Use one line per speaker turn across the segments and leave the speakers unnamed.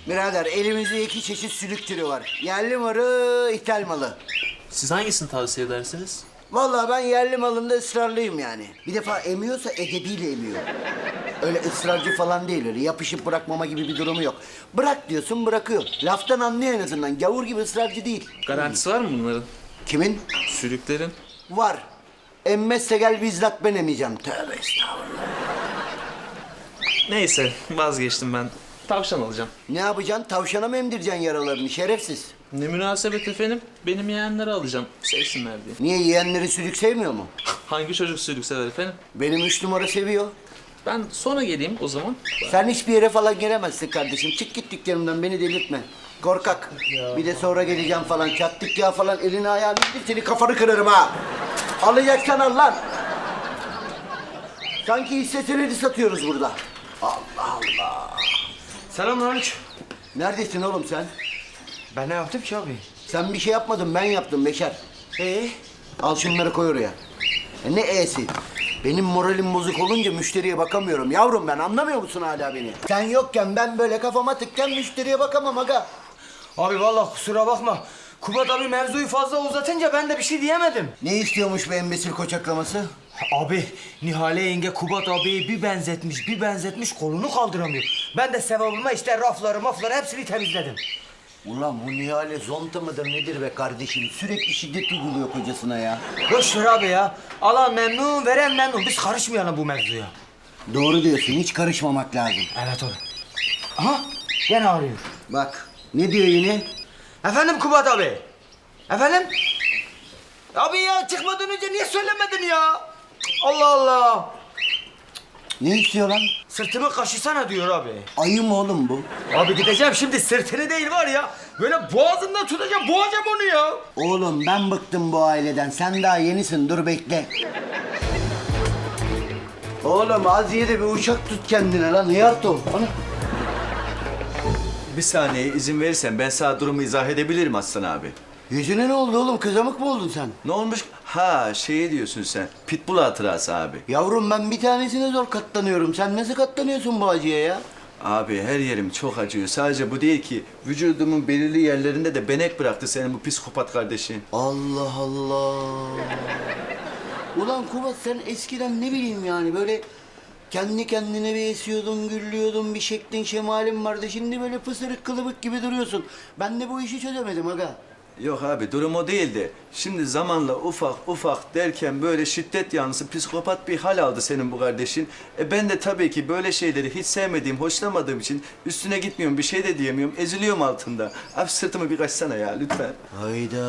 Birader elimizde iki çeşit sülük türü var. Yerli malı, ithal malı.
Siz hangisini tavsiye edersiniz?
Vallahi ben yerli malında ısrarlıyım yani. Bir defa emiyorsa edebiyle emiyor. Öyle ısrarcı falan değil, öyle yapışıp bırakmama gibi bir durumu yok. Bırak diyorsun, bırakıyor. Laftan anlıyor en azından. Gavur gibi ısrarcı değil.
Garantisi var mı bunların?
Kimin?
Sülüklerin.
Var. Emmezse gel bizzat ben emeceğim. Tövbe estağfurullah.
Neyse vazgeçtim ben. Tavşan alacağım.
Ne yapacaksın? Tavşana mı emdireceksin yaralarını şerefsiz?
Ne münasebet efendim. Benim yeğenleri alacağım. Sevsinler diye.
Niye, yeğenleri sülük sevmiyor mu?
Hangi çocuk sülük sever efendim?
Benim 3 numara seviyor.
Ben sonra geleyim o zaman.
Sen hiçbir yere falan gelemezsin kardeşim. Çık git dükkanımdan, beni delirtme. Korkak. Bir de sonra geleceğim falan. Çattık ya falan, elini ayağını indir, seni kafanı kırarım ha. Alacaksan al lan. Sanki hisse senedi satıyoruz burada. Allah Allah.
Selamünaleyküm.
Neredesin oğlum sen?
Ben ne yaptım ki abi?
Sen bir şey yapmadın, ben yaptım Beşer. Al şunları koy oraya. Ne e'si? Benim moralim bozuk olunca müşteriye bakamıyorum. Yavrum ben, anlamıyor musun hala beni? Sen yokken ben böyle kafama tıkken müşteriye bakamam aga.
Abi vallahi kusura bakma. Kubat abi mevzuyu fazla uzatınca ben de bir şey diyemedim.
Ne istiyormuş bu embesil koçaklaması?
Abi Nihale yenge Kubat abiyi bir benzetmiş kolunu kaldıramıyor. Ben de sevabıma işte rafları hepsini temizledim.
Ulan bu Nihale zonta mıdır nedir be kardeşim? Sürekli şiddet uyguluyor kocasına ya.
Boş ver abi ya. Alan memnun veren memnun. Biz karışmayalım bu mevzuya.
Doğru diyorsun, hiç karışmamak lazım.
Evet abi. Aha gene arıyor.
Bak, ne diyor yine?
Efendim Kubat abi. Efendim? Abi ya çıkmadan önce niye söylemedin ya? Allah Allah.
Ne istiyor lan?
Sırtımı kaşısana diyor abi.
Ayı mı oğlum bu?
Abi gideceğim şimdi sırtını değil var ya. Böyle boğazından tutacağım, boğacağım onu ya.
Oğlum ben bıktım bu aileden. Sen daha yenisin, dur bekle. Oğlum az ye de bir uçak tut kendine lan. Hıyart ol. Ana.
Bir saniye izin verirsen ben sana durumu izah edebilirim Aslan abi.
Yüzüne ne oldu oğlum? Kızamık mı oldun sen?
Ne olmuş? Ha şey diyorsun sen. Pitbull hatırası abi.
Yavrum ben bir tanesine zor katlanıyorum. Sen nasıl katlanıyorsun bu acıya ya?
Abi her yerim çok acıyor. Sadece bu değil ki. Vücudumun belirli yerlerinde de benek bıraktı senin bu psikopat kardeşin.
Allah Allah. Ulan Kubat sen eskiden ne bileyim yani böyle kendi kendine bir esiyordun, güllüyordun, bir şeklin şemalin vardı. Şimdi böyle pısırık kılıbık gibi duruyorsun. Ben de bu işi çözemedim aga.
Yok abi durum o değildi. Şimdi zamanla ufak ufak derken böyle şiddet yanlısı psikopat bir hal aldı senin bu kardeşin. Ben de tabii ki böyle şeyleri hiç sevmediğim, hoşlamadığım için üstüne gitmiyorum, bir şey de diyemiyorum. Eziliyorum altında. Abi sırtımı bir kaçsana ya lütfen.
Hayda.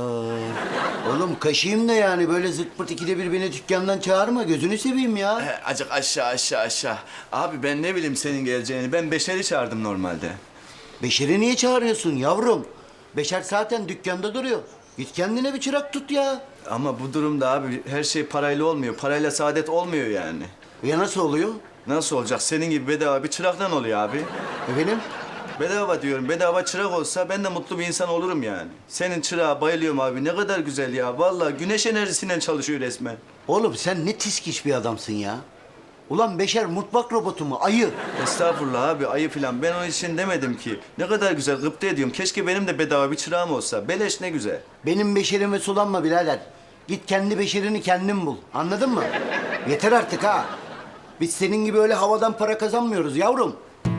Oğlum kaşıyım da yani böyle zırt pırt ikide bir beni dükkandan çağırma. Gözünü seveyim ya.
Acık aşağı. Abi ben ne bileyim senin geleceğini. Ben Beşer'i çağırdım normalde.
Beşer'i niye çağırıyorsun yavrum? Beşer zaten dükkanda duruyor. Git kendine bir çırak tut ya.
Ama bu durumda abi her şey parayla olmuyor. Parayla saadet olmuyor yani.
Ya nasıl oluyor?
Nasıl olacak? Senin gibi bedava bir çıraktan oluyor abi.
Efendim?
Bedava diyorum. Bedava çırak olsa ben de mutlu bir insan olurum yani. Senin çırağa bayılıyorum abi. Ne kadar güzel ya. Vallahi güneş enerjisiyle çalışıyor resmen.
Oğlum sen ne tiskiş bir adamsın ya. Ulan Beşer mutfak robotu mu? Ayı.
Estağfurullah abi ayı falan. Ben onun için demedim ki. Ne kadar güzel gıpta ediyorum. Keşke benim de bedava bir çırağım olsa. Beleş ne güzel.
Benim beşerime sulanma birader. Git kendi beşerini kendin bul. Anladın mı? Yeter artık ha. Biz senin gibi öyle havadan para kazanmıyoruz yavrum.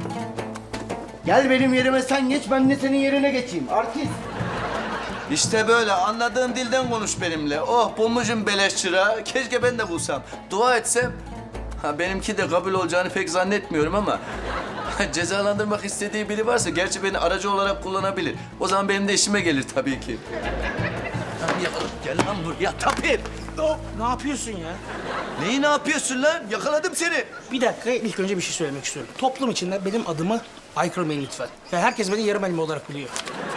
Gel benim yerime sen geç, ben de senin yerine geçeyim. Artist.
İşte böyle anladığın dilden konuş benimle. Oh bulmuşum beleş çırağı. Keşke ben de bulsam. Dua etsem. Ha benimki de kabul olacağını pek zannetmiyorum ama cezalandırmak istediği biri varsa gerçi beni aracı olarak kullanabilir. O zaman benim de işime gelir tabii ki. Gel lan buraya tapir.
Ne yapıyorsun ya?
Neyi ne yapıyorsun lan? Yakaladım seni.
Bir dakika, ilk önce bir şey söylemek istiyorum. Toplum içinde benim adımı aykırmayın lütfen. Ya herkes beni yarım elma olarak biliyor.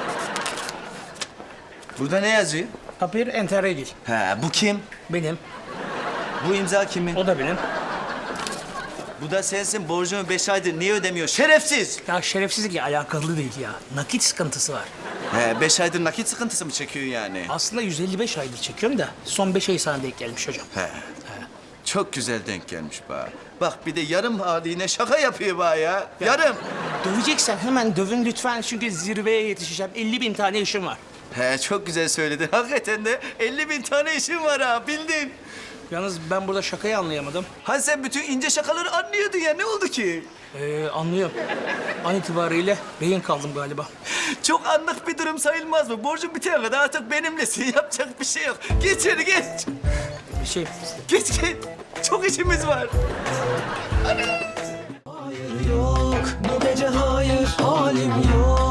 Burada ne yazıyor?
Tapir Enterregil.
He bu kim?
Benim.
Bu imza kimin?
O da benim.
Bu da sensin. Borcumu 5 aydır niye ödemiyor? Şerefsiz.
Ya şerefsizlikle alakalı değil ya. Nakit sıkıntısı var.
He 5 aydır nakit sıkıntısı mı çekiyor yani?
Aslında 155 aydır çekiyorum da son 5 ay sana denk gelmiş hocam.
He. Çok güzel denk gelmiş bana. Bak bir de yarım haline şaka yapıyor bana ya. Yarım.
Döveceksen hemen dövün lütfen çünkü zirveye yetişeceğim. 50.000 tane işim var.
He çok güzel söyledin. Hakikaten de 50.000 tane işin var ha bildin.
Yalnız ben burada şakayı anlayamadım.
Hani sen bütün ince şakaları anlıyordun ya ne oldu ki?
Anlıyorum. An itibariyle rehin kaldım galiba.
Çok anlık bir durum sayılmaz mı? Borcun bitene kadar artık benimlesin. Yapacak bir şey yok. Geç içeri geç.
Bir şey...
Geç geç. Çok işimiz var.
Hayır yok, bu gece hayır, halim yok.